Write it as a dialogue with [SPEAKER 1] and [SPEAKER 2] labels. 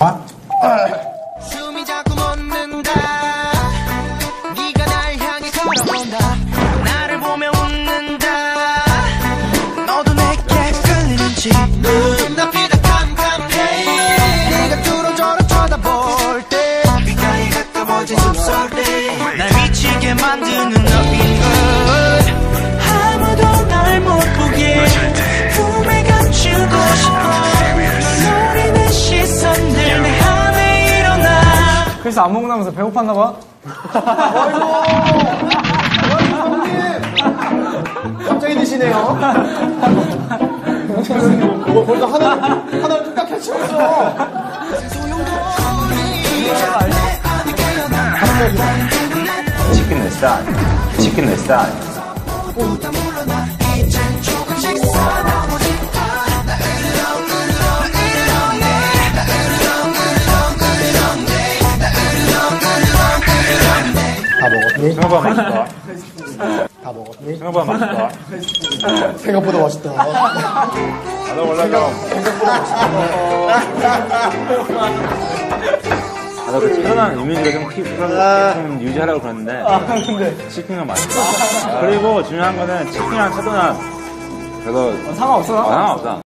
[SPEAKER 1] 숨이 자꾸 멎는다. 네가 날 향해 걸어온다. 나를 보며 웃는다. 너도 내게 끌리는지 눈앞이 다 캄캄해. 네가 뚫어져라 쳐다볼 때 귓가에 가까워진 숨소리 날 미치게 만드는 너인 걸. 아무도 날 못 보게 품에 감추고 싶어. 노리는 시선들 내 안에 일어나.
[SPEAKER 2] 그래서 안 먹고 나면서 배고팠나봐.
[SPEAKER 3] 아이고 형님 갑자기 드시네요. 벌써 하나를 뚝딱 해치웠어.
[SPEAKER 4] 치킨 내 스타일. 치킨 내 스타일.
[SPEAKER 3] 다 먹었니?
[SPEAKER 4] 생각보다 맛있다.
[SPEAKER 3] 다 먹었니?
[SPEAKER 4] 생각보다 맛있다.
[SPEAKER 3] 생각보다 맛있다.
[SPEAKER 4] 나도 원래 좀. 나도 그 차분한 이미지가 좀 유지하려고 그러는데.
[SPEAKER 2] 근데
[SPEAKER 4] 치킨은 맛있다. 그리고 중요한 거는 치킨이랑 차도는 별로
[SPEAKER 2] 상관없어.
[SPEAKER 4] 상관없다.